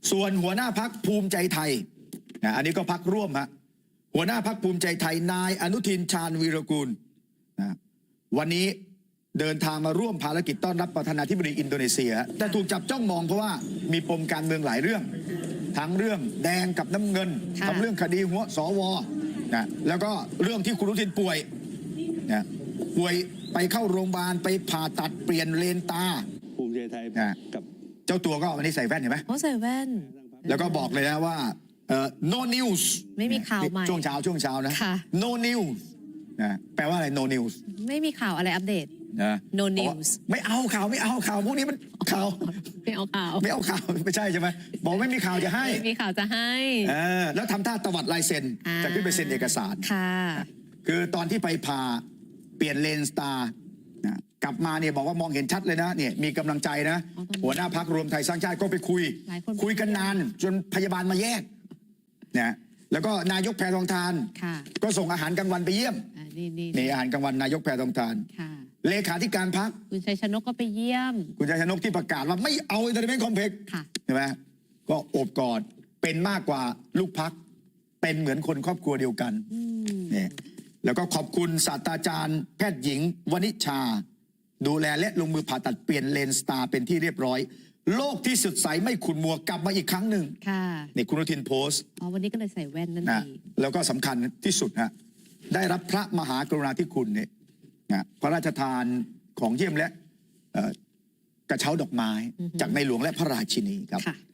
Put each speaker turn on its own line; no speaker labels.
ส่วนหัวหน้าพักภูมิใจไทยอันนี้ก็พักร่วมฮะหัวหน้าพักภูมิใจไทยนายอนุทินชาญวีรกูลวันนี้เดินทางมาร่วมภารกิจต้อนรับประธานาธิบดีอินโดนีเซียแต่ถูกจับจ้องมองเพราะว่ามีปมการเมืองหลายเรื่องทั้งเรื่องแดงกับน้ำเงินทั้งเรื่องคดีหัวสวแล้วก็เรื่องที่คุณอนุทินป่วยป่วยไปเข้าโรงพยาบาลไปผ่าตัดเปลี่ยนเลนตา
ภูมิใจไทยกับ
เจ้าตัวก็วันนี้ใส่แว่นเห็นไหม
ใส่แว่น
แล้วก็บอกเลยนะว่าno news
ไม่มีข่าวใหม่
ช่วงเช้านะ no news แปลว่าอะไร no news
ไม่มีข่าวอะไรอัปเดตno news
ไม่เอาข่าวพวกนี้มันข่าว
ไม่เอาข่าว
ไม่ใช่ใช่ไหมบอกไม่มีข่าวจะให้
ไม่มีข่าวจะให้
แล้วทำท่าตวัดลายเซ็นจะขึ้นไปเซ็นเอกสาร
ค่ะ
คือตอนที่ไปผ่าเปลี่ยนเลนสตาร์กลับมาเนี่ยบอกว่ามองเห็นชัดเลยนะเนี่ยมีกำลังใจนะหัวหน้าพรรครวมไทยสร้างชาติก็ไปคุยกันนานจนพยาบาลมาแยกเนี่ยแล้วก็นายกแพทองธารก็ส่งอาหารกลางวันไปเยี่ยมนี่อาหารกลางวันนายกแพทองธารเลขาธิการพรรค
คุณชัยชนกก็ไปเยี่ยม
คุณชัยชนกที่ประกาศว่าไม่เอาอินเตอร์เน็ตคอมเพล็กซ์ใช่ไหมก็โอบกอดเป็นมากกว่าลูกพรรคเป็นเหมือนคนครอบครัวเดียวกันเนี่ยแล้วก็ขอบคุณศาสตราจารย์แพทย์หญิงวณิชาดูแลและลงมือผ่าตัดเปลี่ยนเลนสตาร์เป็นที่เรียบร้อยโลกที่สดใสไม่ขุ่นมัวกลับมาอีกครั้งหนึ่งนี่คุณอนุทินโพสต์
วันนี้ก็เลยใส่แว่นนั่นเอง
แล้วก็สำคัญที่สุดฮะได้รับพระมหากรุณาธิคุณเนี่ยพระราชทานของเยี่ยมและกระเช้าดอกไม้จากในหลวงและพระราชินีครับ